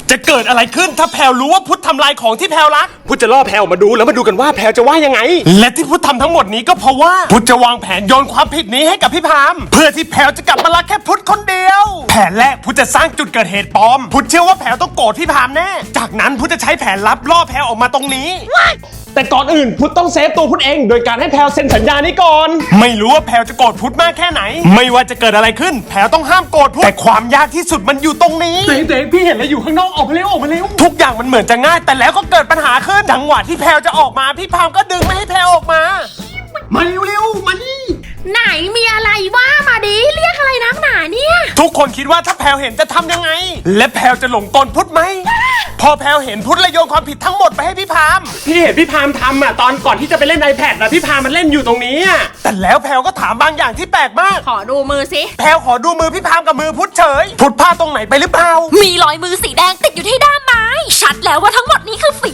จะเกิดอะไรขึ้นถ้าแพลรู้ว่าพุทธทำลายของที่แพลรักพุทธจะล่อแพลออกมาดูแล้วมาดูกันว่าแพลจะว่ายังไงและที่พุทธทำทั้งหมดนี้ก็เพราะว่าพุทธจะวางแผนโยนความผิดนี้ให้กับพี่พามเพื่อที่แพลจะกลับมารักแค่พุทธคนเดียวแผนแรกพุทธจะสร้างจุดเกิดเหตุปลอมพุทธเชื่อว่าแพลต้องโกรธพี่พามแน่จากนั้นพุทธจะใช้แผนลับล่อแพลออกมาตรงนี้แต่ก่อนอื่นพุทธต้องเซฟตัวพุทธเองโดยการให้แพลเซ็นสัญญานี้ก่อนไม่รู้ว่าแพลจะโกรธพุทธมากแค่ไหนไม่ว่าจะเกิดอะไรขึ้นแพลต้องห้ามโกรธพุทธแต่ความยากที่สุดมันอยู่ตรงนี้เจ๊พี่เห็นอะไรอยู่ข้างนอกออกมาเร็วออกมาเร็วทุกอย่างมันเหมือนจะง่ายแต่แล้วก็เกิดปัญหาขึ้นจังหวะที่แพลจะออกมาพี่พามก็ดึงไม่ให้แพลออกมาเร็วๆมานี่ไหนมีอะไรว่ามาดิเรียกอะไรนักหนาเนี่ยทุกคนคิดว่าถ้าแพลเห็นจะทำยังไงและแพลจะหลงกลพุทธไหมพอแพลเห็นพุทธเลยโยนความผิดทั้งหมดไปให้พี่พามพี่เห็นพี่พามทำอ่ะตอนก่อนที่จะไปเล่น iPad นะพี่พามมันเล่นอยู่ตรงนี้อ่ะแต่แล้วแพลก็ถามบางอย่างที่แปลกมากขอดูมือสิแพลขอดูมือพี่พามกับมือพุทธเฉยพุทธพลาดตรงไหนไปหรือเปล่ามีรอยมือสีแดงติดอยู่ที่ด้ามไม้ชัดแล้วว่าทั้งหมดนี้คือฝี